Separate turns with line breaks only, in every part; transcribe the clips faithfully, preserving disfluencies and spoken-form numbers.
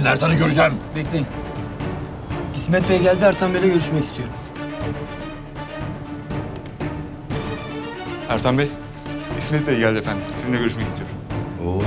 Ben Ertan'ı göreceğim.
Bekleyin. İsmet Bey geldi, Ertan Bey'le görüşmek istiyor.
Ertan Bey, İsmet Bey geldi efendim. Sizinle görüşmek istiyor.
Oo.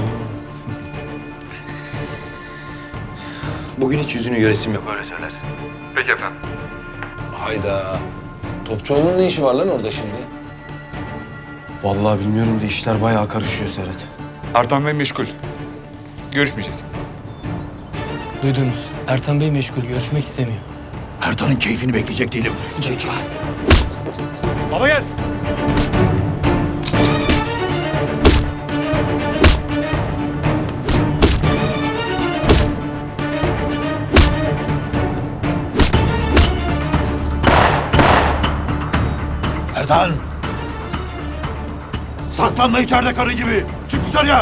Bugün hiç yüzünü göresim yok.
Böyle söylersin. Peki efendim.
Hayda. Topçuoğlu'nun ne işi var lan orada şimdi?
Vallahi bilmiyorum da işler bayağı karışıyor Serhat.
Ertan Bey meşgul. Görüşmeyecek.
Duydunuz. Ertan Bey meşgul, görüşmek istemiyor.
Ertan'ın keyfini bekleyecek değilim. Çekil.
Baba gel.
Ertan! Saklanma içeride karı gibi. Çık dışarıya.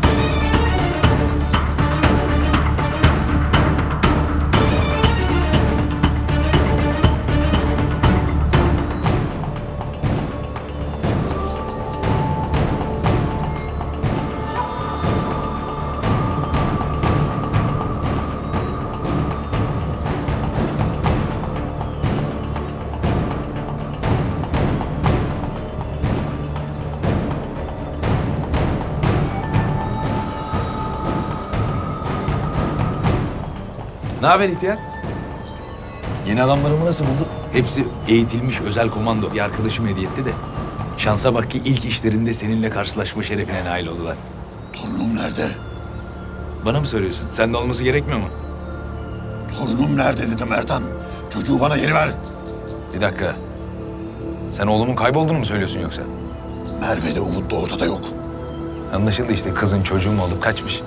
Ne haber ihtiyar? Yeni adamlarımı nasıl buldun? Hepsi eğitilmiş özel komando. Bir arkadaşım hediye etti de. Şansa bak ki ilk işlerinde seninle karşılaşma şerefine nail oldular.
Torunum nerede?
Bana mı soruyorsun? Sende olması gerekmiyor mu?
Torunum nerede dedim Ertan. Çocuğu bana geri ver.
Bir dakika. Sen oğlumun kaybolduğunu mu söylüyorsun yoksa?
Merve de Umut da ortada yok.
Anlaşıldı işte, kızın çocuğu mu olup kaçmış.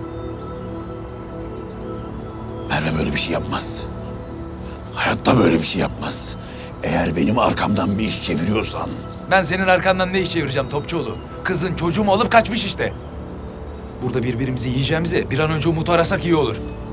Merve böyle bir şey yapmaz. Hayatta böyle bir şey yapmaz. Eğer benim arkamdan bir iş çeviriyorsan...
Ben senin arkandan ne iş çevireceğim Topçuoğlu? Kızın çocuğu mu olup kaçmış işte. Burada birbirimizi yiyeceğimize bir an önce Umut'u arasak iyi olur.